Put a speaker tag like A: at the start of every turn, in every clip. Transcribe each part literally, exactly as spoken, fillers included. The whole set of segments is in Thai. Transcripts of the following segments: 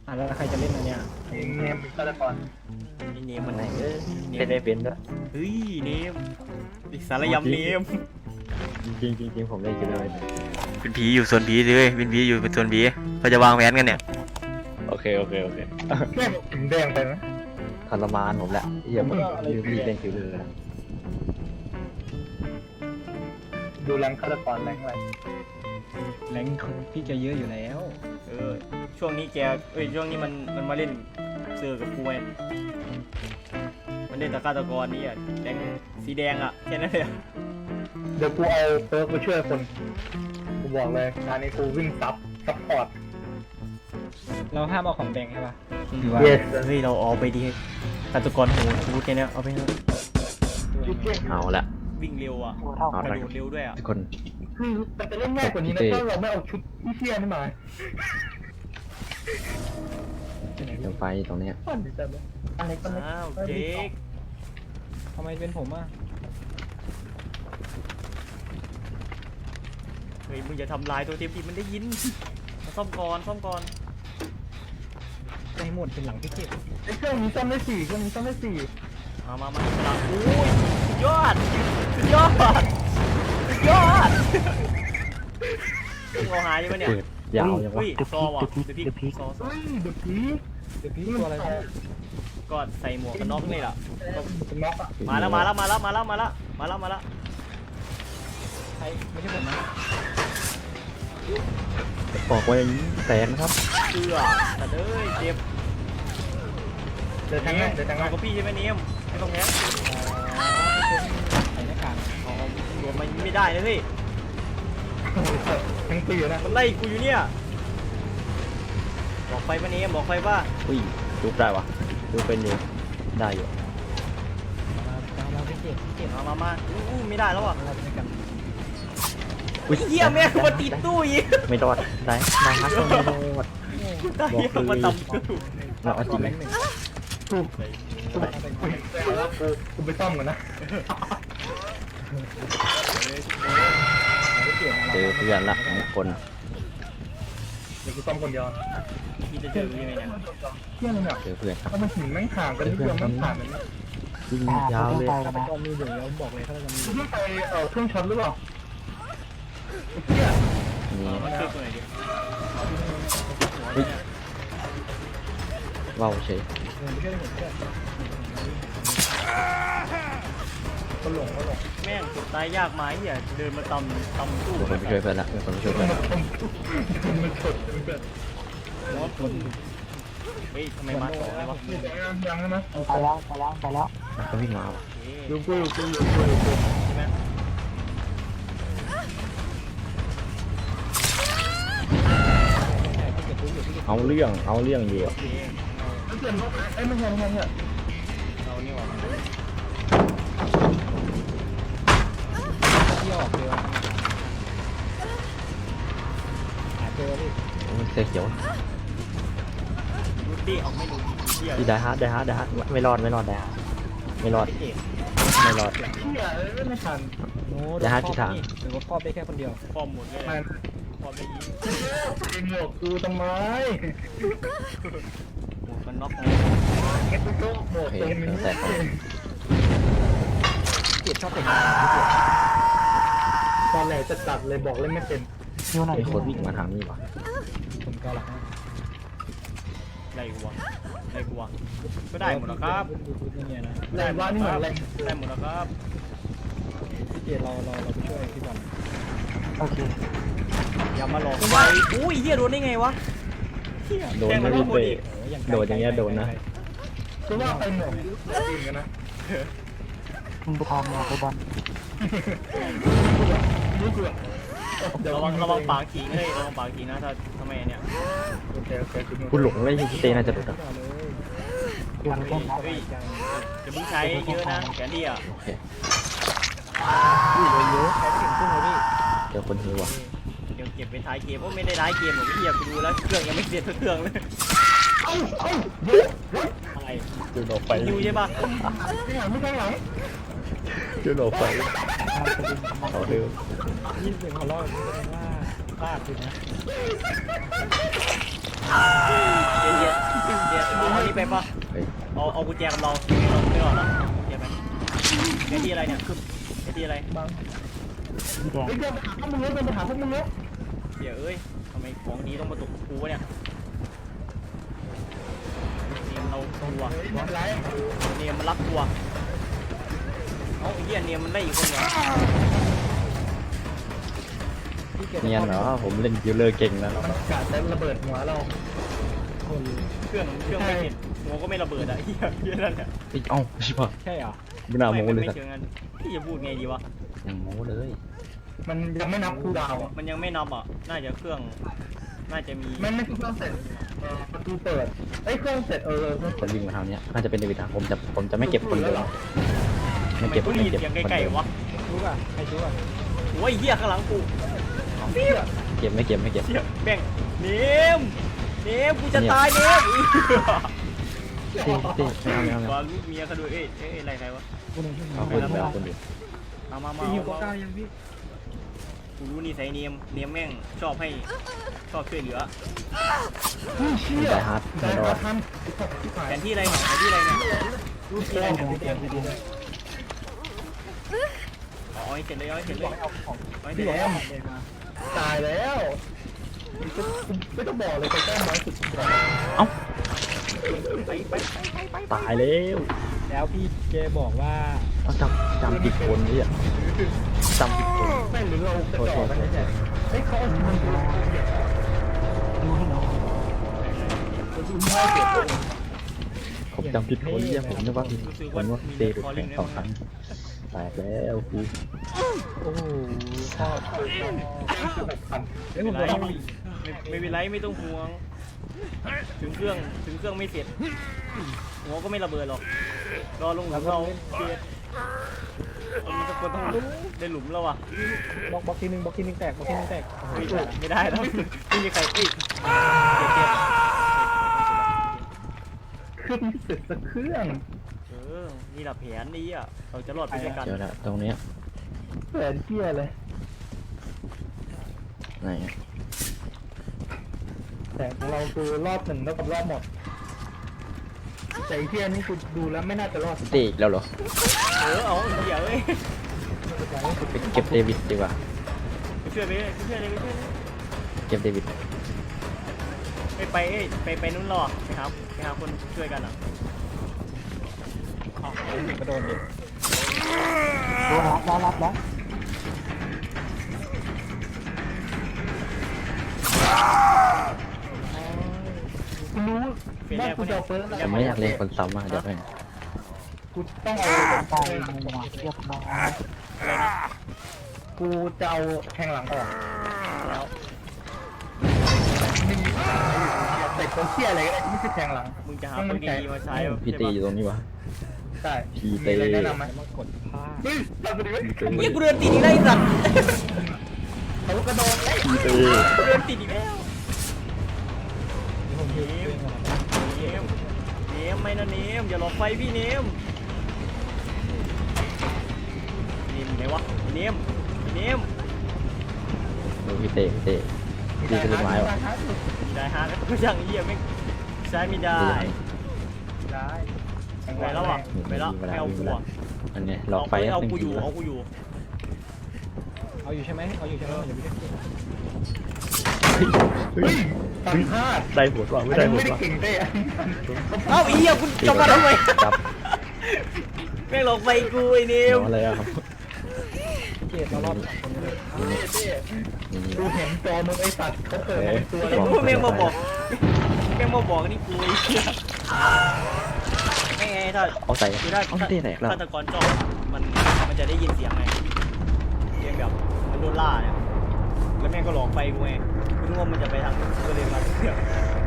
A: อ่ะแล้วใครจะเล่นอันเนี้ย
B: เองเนมฆาตกร
C: ไอ้เนมมันไหนเออ
D: เป็นได้เป็นด้วย
C: เฮ้ยเนมอีกสารยำเนม
D: จริงจริงจริงผมเล่นกันเลย
C: เป็นผีอยู่ส่วนผีเลยเป็นผีอยู่เป็นส่วนผีเขาจะวางแผนกันเนี่ย
D: โอเคโอเคโอเค
B: แม่ถึงแดงไปไหม
D: ทรมานผมแหละเหี้ยผมลืมมีเล่นคิวเลยนะ
B: ดูแรงฆาตกรแรงอะไร
A: แรงพี่แกเยอะอยู่แล้ว
C: เออช่วงนี้แกเอ้ยช่วงนี้มันมันมาเล่นเสือกับกูไงมันเล่นตะฆาตกรนี่อ่ะแดงสีแดงอ่ะแค่นั้นเลยอะ
B: เดี๋ยวกูเอาเปิร์กไปช่วยคนกูบอกเลยงานนี้กูวิ่งซับซับพอร์ต
A: เราห้ามเอาของแดงใช่ปะหรือว่า
B: yes
C: เฮ้ยเราเอาไปดีฆาตกรโหดพูดแค่เนี้ยเอาไปเถอะ
D: เอาละ
C: วิ่งเร็วอ่ะ
D: เอา
C: กระ
D: ละ
C: โดดเร็วด้วยอ่ะ
D: ทุกคน
B: คือมันจะเล่นง่ายกว่านี้นะถ้าเราไม่เอาชุดที่เที่ยนี่มา
D: เดี๋ยวไฟตรงเนี้ย
B: ปั้นจังเลยอะไรก็ไม่
C: อ้าวเจ๊ก
A: ทำไมเป็นผมอ่ะ
C: เฮ้ยมึงอย่าทำลายตัวเทปดิมันได้ยินมาซ่อมก่อนซ่อมก่อน
A: ใจหมดเป็นหลังพี่เก็บ
B: ไอ้เครื่องนี้ซ่อมได้สี่เครื่องนี้ซ่อมได้สี่
C: มามามาฉลามโอ้ยสุดยอดสุดยอดสุดยอดมึงเอาหายยังไงเนี่ย
D: เปิดยาวยังวะ
C: เฮ้ยซอว่ะเดี๋ยวพี่ซอซอ
B: เฮ้ยเดือดผี
A: เดี๋ยวพี่ตัวอะไรพี่
C: ก็ใส่หมวกกันน็อกนี่แหละ
B: เป็นน็อกอ่ะ
C: มาแล้วมาแล้วมาแล้วมาแล้วมาแล้วมาแล้วมาแล้ว
A: ใครไม่ใช่ผมนะ
D: บอกว่าอย่างนี้แตกนะครับ
C: เชื่อแต่เด้ยเจ็บ
B: เดี๋ยวทางง่ายเดี๋ยวทาง
C: เอา
B: ง่าย
C: กับพี่ใช่ไหมเนียมไม่ต้องแพ้
A: ใส่หน้ากาก
C: เอาเอารวมมันไม่ได้นะเฮ้ย
B: ทั้งปีนะ
C: มันไล่กูอยู่เนี่ยบอกไปปะเนียมบอกไปว่า
D: อุ้ยจุบได้วะจุบเป็นอยู่ได้อยู่
A: เราเราพี่เก็บพี่เก็บ
C: มามามาอู้อู้ไม่ได้แล้วอ่ะ
A: เราเป็นกัน
D: อุ้ย
C: เฮียแม่งมาติดตู้อีก
D: ไม่รอดได้ได้ฮักก็ไม่รอด
C: ตายเฮียมาตำตู้
D: เราเอาจริงไหม
B: ถูกถูกแล้วกูกูไปซ่อมก่อนนะ
D: เจอเพื่อนละสองคน
B: เดี๋ยวกูซ่อมคนเดียว
C: พี่จะเจอยังไงเนี่ย
B: เที่ยงเลยเนี่ย
D: เจอเพื่อนครับ
B: ถ้ามันหินแม่งห่างกันนิดเดียวแม่งผ่านมันนะ
D: วิ่งยาวเลย
A: ฆาตกรมีอยู่แล้วบอกเลยฆาตกรมีอ
B: กู
A: ยู่
B: เพิ่งไปเอ่อเครื่องช็อตหรือเปล่าไอ้เที่ย
D: นี่
C: มันคือตัวไหนดิ
D: ว้าวเฉย
A: ไม่ใช่ผมแค่
B: ก็หลงก็หลง
C: แม่งกดตายยากไหมเฮียเดินมาตำตำตู้
D: มีคนไปช่วยเพื่อนละมีคนไปช่วยเพื่อนละ
B: มันฉดมันเกิด
A: แล้วคน
C: เฮ้ยทำไมมาต่อเลยวะ
B: ยังยังนะ
A: ไปแล้วไปแล้วไปแล้ว
D: ก็วิ่งมาว่ะ
B: ดูกูดูกูดูกูดูกู
C: ใช่ไหม
A: พี่เก็บรู้อยู่พี่เก็บ
D: เอาเรื่องเอาเรื่องเดียว
C: โอเค
B: เปลี่ยนรถไอ้ไม่ใช่ไม่ใช่เนี่ย
C: เรานี่หว่า
A: ที่ออกเร็วหาเจอพี่
D: มันเสียเขียว
C: ดูดิเอาไม่ดูเฮีย
D: ที่ได้ฮาร์ดได้ฮาร์ดได้ฮาร์ดไม่รอดไม่รอดได้ฮาร์ดไม่รอด
C: เจ็บ
D: ไม่รอด
B: เที่ยไม่ทัน
A: โน้
D: จะหาทิศทาง
A: หรือว่าครอบได้แค่คนเดียว
C: ฟอร์มหมดเลย
B: มัน
C: ฟอร์มได้ยิง
B: เองหมวกกูทำไม
C: หมดมันน็อกเลย
B: เก็บโต๊ะหมว
D: โอก เค
B: เต็ม
D: เครื่องแตกก่อน
A: เก็บชอบเป็น
B: ตอนแรกจะตัดเลยบอกเล่นไม่เป็น
D: มีคนวิ่งมาทางนี้ว่ะ
A: ผมก็หลัง
C: ไล่กูวะไล่กูวะก็ได้หมดแล้วครับ
A: เนี่ยนะ
B: แรงว่านี่เหมือนแรง
C: ได้หมดแล้วครับ
A: พี่เจเราเราเราไปช่วยพี่บอล
C: อย่ามาหลอกไปอุ้ยเฮียโดนได้ไงวะเฮีย
D: โดน
C: แทง
D: ไม่
C: มัน
D: รู้
C: หม
D: เต
C: ดอีก
D: โดนอย่างเงี้ยโดนนะ
B: คือว่าไปหมวกจริงกันนะ
A: มึงไปทำมาไปบอล
B: นี่คือ
C: ระวังระวังปากขิงเลยระวังปากขิงนะถ้าทำไมเนี่ย
B: โอเคโอเค
D: คุณหลงเลยที่เตน่าจะหลุดอ่ะ
C: เฮ้ยเฮ้ยจะมึงใช้เยอะนะแกนดี้อ่ะ
D: โอเค
A: เยอะใช้ถึงขึ้นเลยพี่
D: เจอคนหิวว่ะ
C: เดี๋ยวเก็บไปท้ายเกมว่าไม่ได้ท้ายเกมหรอกเฮียไปดูแล้วเครื่องยังไม่เสร็จสักเครื่องเลย
B: เอ้าเอ้าเยอะเฮ้ย
C: อะไร
D: จุดออกไป
C: อยู่ใช่ปะ
B: ไม่หลังไม่ข้างหลัง
D: จุดออกไปเอาเร็ว
A: ยินเสียงหัวเราะแสดงว่าพลาดคือนะ
C: เย็นไปปะ
D: เฮ้ย
C: เอาเอากุญแจกับเราเราไม่รอดแล้วเดี๋ยวไปแกที่อะไรเนี่ยแกที่อะไร
B: บังเฮ้ยเดินไปหาพวกมึงเดินไปหาพวกมึงเนาะ
C: เดี๋ยวเอ้ยทำไมของดีต้องมาตกกูวะเนี่ยเนมเราตัว
B: เฮ้ยไม่เป็นไร
C: เนมมันรักตัวเอ้าไอ้เหี้ยเนมมันได้อีกคนเหรอ
D: เนียนเหรอผมเล่นคิวเลอร์เก่งแล้ว
B: มันกาดจะระเบิดหัวเรา
C: เครื่องเครื่องไม่เห็นหัวก็ไม่ระเบิดอ่ะเหี้ยเหี้ยนั่นแหละ
D: อีกเอ้าชิบะ
A: ใช่เหรอ
D: ไม่น่าโม้เลย
C: ไม่
D: สัก
C: เชิงนั้นพี่จะพูดไงดีวะ
D: ยังโม้เลย
B: มันยังไม่นับคูลดาวน์
C: มันยังไม่นับอ่ะน่าจะเครื่องน่าจะมี
B: ไม่ไม่คือเครื่องเสร็จเออประตูเปิดเอ้ยเครื่องเสร็จเออเครื่อง
D: คนวิ่งมาทางเนี้ยน่าจะเป็นเดวิดทางผมจะผมจะไม่เก็บคนเดียวไม่เก็บ
C: ทำ
D: ไม่
C: ไม
D: เก็บ
C: เสียง
D: คน
C: ไกล
D: เดียว
C: ๆวะ
A: รู้ป่ะใครรู้ป่ะ
C: โอ้ยเหี้ยข้างหลังกู
D: เก็บไม่เก็บไม่เก็บ
C: เหี้ยแบ่งเนมเนมกูจะตายเนม
D: เต้เต้ไม่เอาไม่เอาไม่
C: วา
D: เอา
C: งลูกเมียเขาด้วยเอ้ยเอ้ยอะไรใครวะ
D: เอาคนเดียวคนเดียว
C: มามามา
A: พี่หิว
C: มา
A: ก้าวยังพี่
C: กูรู้นี่ใส่เนมเนมแม่งชอบให้ชอบช่วยเหลือ
B: เชี่ย
D: ได้ฮาร์ด
B: ได้
D: ไม่รอ
B: มา
D: ด
B: ทำที่ขาย
C: แผนที่อะไรเนี่ยแผนที่อะไรเนี่ย
B: รูปที่ไหนเนี่ยเตรียมไปดูเลย
C: อ๋อเอาให้เสร็จเลยเอาให้เสร็จเลยเอาให้เสร็
B: พี่
C: จ
B: แอ
C: เลย
B: ม
A: เดินมา
B: ตายแล้วไม่ต้องบอกเลยใครแก้น้อยสุด
D: เอ้า
C: ไปไปไปไป
D: ตายแล้ว
A: แล้วพี่เจบอกว่า
D: เอาจำจำผิดคนนี่อ่ะจำผิดคน
B: ไม่หรือเราจะต่อกันเนี่ยเฮ้ยเขาเอาชีวิตเราเนี่ยดูให้เก็บ
D: ผมจำผิดคนเนี่ยผมนึกว่าผิดคนว่าเตะไปแข่งสองครั้งแตกแล้วกู
A: โอ้โหชอบ
B: พัน
A: เอ้ย
C: ไม่
A: ผม
C: เป็นไร
A: ต้อง
C: ไม่ไม่เป็นไรไม่ต้องห่วง ถึงเครื่องถึงเครื่องไม่เสร็จหัวก็ไม่ระเบิดหรอกรอลงหลุมเราเกียดมันจะคนต้องได้หลุมแล้วอ่ะ
A: บล็อกบล็อกทีนึงบล็อกทีนึงแตกบล็อกทีนึงแตก
C: ไม่ได้ไม่ได้แล้วไม่มีใครเอ้ยเจ็บเจ็บ
B: เครื่องเสร็จสักเครื่อง
C: เออนี่แหละแผนนี้อ่ะเราจะรอดไปด้วยกัน
D: เดี๋ยวนะตรงเนี้ย
B: แผนเที่ยเลย
D: ไหน
B: แต่ของเราคือรอบหนึ่งแล้วกับรอบหมดแต่อีเที่ยนี่คือดูแล้วไม่น่าจะรอด
D: เตะอีกแล้วเหรอ
C: เออเอาเดี๋ยวเอ้ย
D: ไปเก็บเดวิดดีกว่า
C: ไปช่วยไปเลยไปช่วยเลยไปช่วยเลย
D: เก็บเดวิด
C: ไปไปเอ้ยไปไปนู้นรอไปหาไปหาคนช่วยกันอ่ะ
A: อ๋อเด็กกระโดดเด็ก
B: รับรับรับรับกูรู้
C: เฟรน
B: ว่า
C: แรก
B: กู
C: คน
B: จะ
C: เนี้ย
B: เอาเฟิร์ส
D: ผมไม่อยากเล่นคนซ้ำมากเดี๋ยวไป
B: กูต้องเอาไปเรียบร้อยกูจะเอาแทงหลังออกแล้วมีแต่คนเที่ยอะไรก็ได้ที่ไม่ใช่แทงหลัง
C: มึงจะหาปืนดีๆมาใช้
D: พี่ตีอยู่ตรงนี้วะ
B: ใช่
D: พี่
B: มี
D: เต้
B: อะไรแนะนำไหม
A: มากดผ้า
B: เฮ้ยทำไปดิเว้ย
C: เฮียกูเดินติดอีกแล้วไอ้สัตว์
B: เขากระโดดเอ้ย
D: พี่เต้
C: กูเดินติดอีกแล้ว
A: ที่ผมยืนเรื่องอะไร
C: เนมเนมไม่นะเนมอย่าหลอกไฟพี่เนมเนมไหนวะเนมเนม
D: ดูพี่เต้พี่เต้พี่เป็นลูกไม้วะ
C: ได้ฮะก็ช่างเหี้ยไม่ใช้ไม่ได้
B: ได้
C: ไปแล้วอ่ะไปแล้วไม่เอากูอ่ะ
D: อันเนี้ยหลอกไฟ
C: เอา
D: หนึ่ง
C: กูอ
D: ที
C: ยู่
D: แล้ว
C: เอากูอยู่
A: เอาอยู่ใช่ไหมเอาอยู่ใช่ไหมอย่าไปเล่น
B: เฮ้ยตังพลาด
D: ได้หัวว่ะไม่ได้หัว
B: ไม่ได้
D: ว่ะ
B: เก่งเต้อะ
C: เอ้าอีเหี้ยคุณจบมาทำไม
D: จับ
C: แม่งหลอกไฟกูไอ้เน
D: เดี๋ย
C: ม
D: วอะไรอะครับ
A: เกตเรารอบสองคนเลย
B: เต้
D: นี่
B: ดูเห็นจอมึงไอ้สัตว์เขาเปิดมาเป็นตัว
C: ไอ้
B: เลย
C: พวกแม่งมาบอกแม่งมาบอกนี่กูไอ้เหี้ยไม่ไงถ้า
D: เอาใส่
C: คือถ้า
D: เอาเต้แตกแล้ว
C: ฆาตกรจ้องมันมันจะได้ยินเสียงไงเสียงแบบมันโดนล่าเนี่ยแล้วแม่งก็หลอกไฟกูไงกูนึกว่ามันจะไปทางก็เลยมาเสือก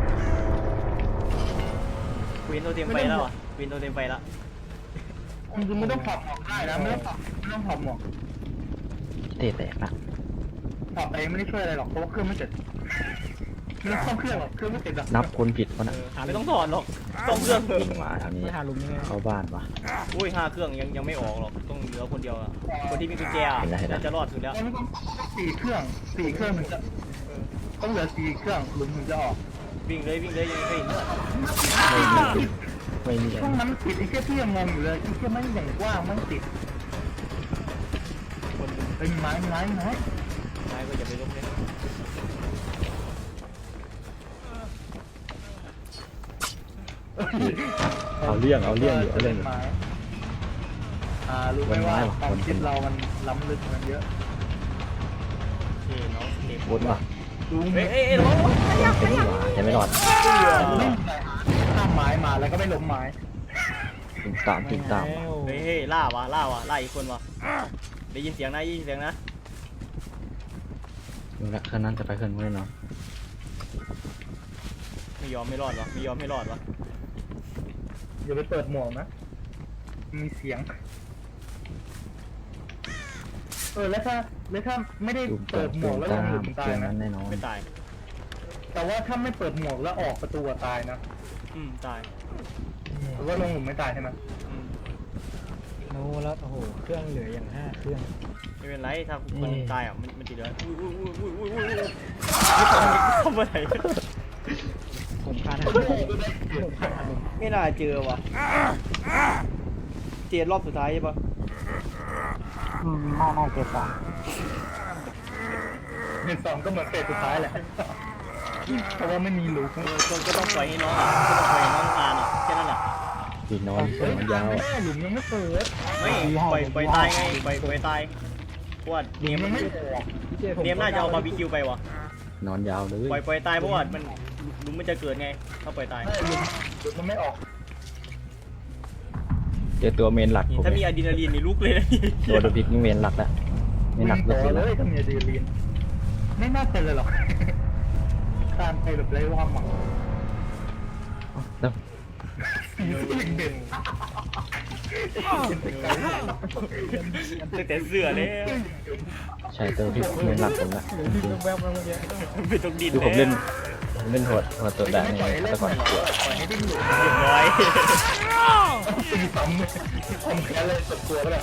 C: กูเห็นตัวเต็มไฟแล้วอ่ะกูเห็นตัวเต็มไฟแล้ว
B: คุณคือไม่ต้องถอดหมวกได้นะไม่ต้องถอดไม่ต้องถอดหมวก
D: เต้แตกนะ
B: ถอดไปไม่ได้ช่วยอะไรหรอกเพราะว่าเครื่องไม่เสร็จไม่ต้องซ่อมเครื่องหรอกเครื่องไม่เสร็จหรอก
D: นับคนผิดวะ
C: เอ
D: น่ะ
C: อไม่ต้องถอดหรอกต้องเครื่องเถอะ
D: มาทางนี้
A: ไม่หาลุมยังไง
D: เข้าบ้านวะ
C: อุ้ยห้าเครื่องยังยังไม่ออกหรอกต้องเหลือคนเดียวอะคนที่มีกุญแจอะ
D: เห็นแล้วเห็นแล้ว
C: น่าจะรอดสุดแล้ว
B: มันต้องสี่เครื่องสี่เครื่องถึงจะต้องเหลือสี่เครื่องหลุมถึงจะออก
C: วิ่งเลยวิ่งเลยยังไม่เห็นเลย
D: โไม่มี
B: ช่วงนั้นมันติดไอ้เชี่ยที่ยังงงอยู่เลยไอ้เชี่ยไม่อย่างกว้างมันติด
C: คน
B: เป็นไม้ไม้ไม้
C: นายก็อย่าไปลบเลย
D: เอาเรื่องเอาเรื่องอยู่เอาเรื่องอยู่
B: ไม้อ่ารู้ไหมว่าความคิดเรามันล้ำลึกมันเยอะ
C: โอเคน้องเด็ก
D: วนว่ะ
B: รู้ไหม
C: เฮ้ยเอ้ยเอ้ยน้อง
D: เป็นหวาจะไม่รอด
B: ไม่มีอะไรข้ามไม้มาแล้วก็ไม่ล้มไม้
D: ถึงตามถึงตาม
A: แล้ว
C: เฮ้ยเฮ้ยล่าวะล่าวะล่าอีกคนวะได้ยินเสียงนะได้ยินเสียงนะ
D: ดูละคืนนั้นจะไปคืนนู้นเนาะ
C: ไม่ยอมไม่รอดวะไม่ยอมไม่รอดวะ
B: อย่าไปเปิดหมวกนะมีเสียงเออแล้วถ้าแล้วถ้าไม่ได้
D: ดู
B: เปิดหมวกแล้วล
D: ตาง
B: หลุ
D: ม
B: มตา
D: เก
B: ย
D: ม
B: นะ
D: นั้นแน่นอน
C: ไม่ตาย
B: แต่ว่าถ้าไม่เปิดหมวกแล้วออกประตูอะตายนะ
C: อืมตาย
B: หรือว่าลงหลุมไม่ตายใช่ไหม
C: อืม
A: โน้แล้วโอ้โหเครื่องเหลืออย่างห้าเครื่อง
C: ไม่เป็นไรถ้าคน
A: นี่
C: ตายอ่ะมันมันจะเหลืออุ้ยอุ้ยอุ้ยอุ้ยอุ้ยอุ้ยทำอะไร
A: ผมพลาดนะผมพลาดนะ
C: ไม่น่าเจอวะเจนรอบสุดท้ายใช่ปะ
B: อืมน่าน่าเกิดสองเห็นสองก็เหมือนเฟสสุดท้ายแหละเพราะว่าไม่มีลูก
C: เออก็ก็ต้องปล่อยให้น้องอ่ะก็ต้องปล่อยให้น้องอ่านอ่ะแค่นั้นแหละ
D: อีกนอน
B: เฮ้ย
D: นอนยาว
B: ไม่ได้หลุมยังไม่เปิด
C: ไม่ปล่อยปล่อยตายไงปล่อยปล่อยตายเพราะว่า
B: หลุ
C: เนีย
B: ม
C: ม
B: ยังไม่ออก
A: พี่เจผม
C: เนียมน่าจะเอาบาร์บีคิวไปวะ
D: นอนยาวเลย
C: ปล่อยปล่อยตายเพราะว่ามันหลุมมันจะเกิดไงถ้าปล่อยตาย
B: ไม่หลุมหลุมมันไม่ออก
D: เจอตัวเมนหลัก
C: นี่
D: ผม
C: ถ้ามีอะดรีนาลีนนี่ลุกเลยนะ
D: ตัวดูพิกนี่เมนหลักแล้วไม่หนัก
B: วิ่ง
D: เลย
B: ต่อ
D: สิ
B: เลยถ้ามีอะดรีนาลีนไม่น่าเป็นเลยหรอกการไปแบบไร้ความหวัง
D: แล้ว
B: สิ่งเด่น
C: ตั้งแต่เสื้อเลย
D: ใช่ตัวพิกเมนหลักผมละ
A: เหลือดินแวบๆมาเมื่อกี้
C: ไม่ต้องดิน
D: คือผม
C: เล
D: เล่
C: ย
D: นผมเล่นโหดโหดตัวได้
B: ไม่
D: ใน
B: ปล่อยให้เล่
D: แต่
B: น
D: ก่อน
B: หรอกปล่อยให้ดิ้นหลุด
C: เรียบร้อย
B: ตีซ้ำเลยผมแค่เลยสุดตัวก็ได้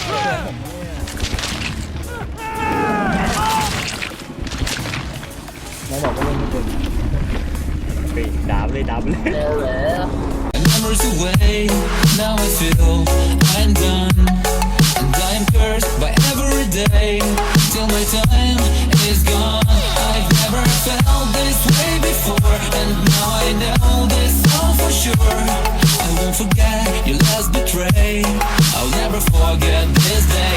A: น้องบอกว่าเล่นไม่เป็น
C: ไปดาบเลยดาบเลย
E: Memories away, now I feel I'm done. And I am cursed by every day, till my time is gone. I've never felt this way before, and now I know this all for sure. I won't forget your last betray, I'll never forget this day.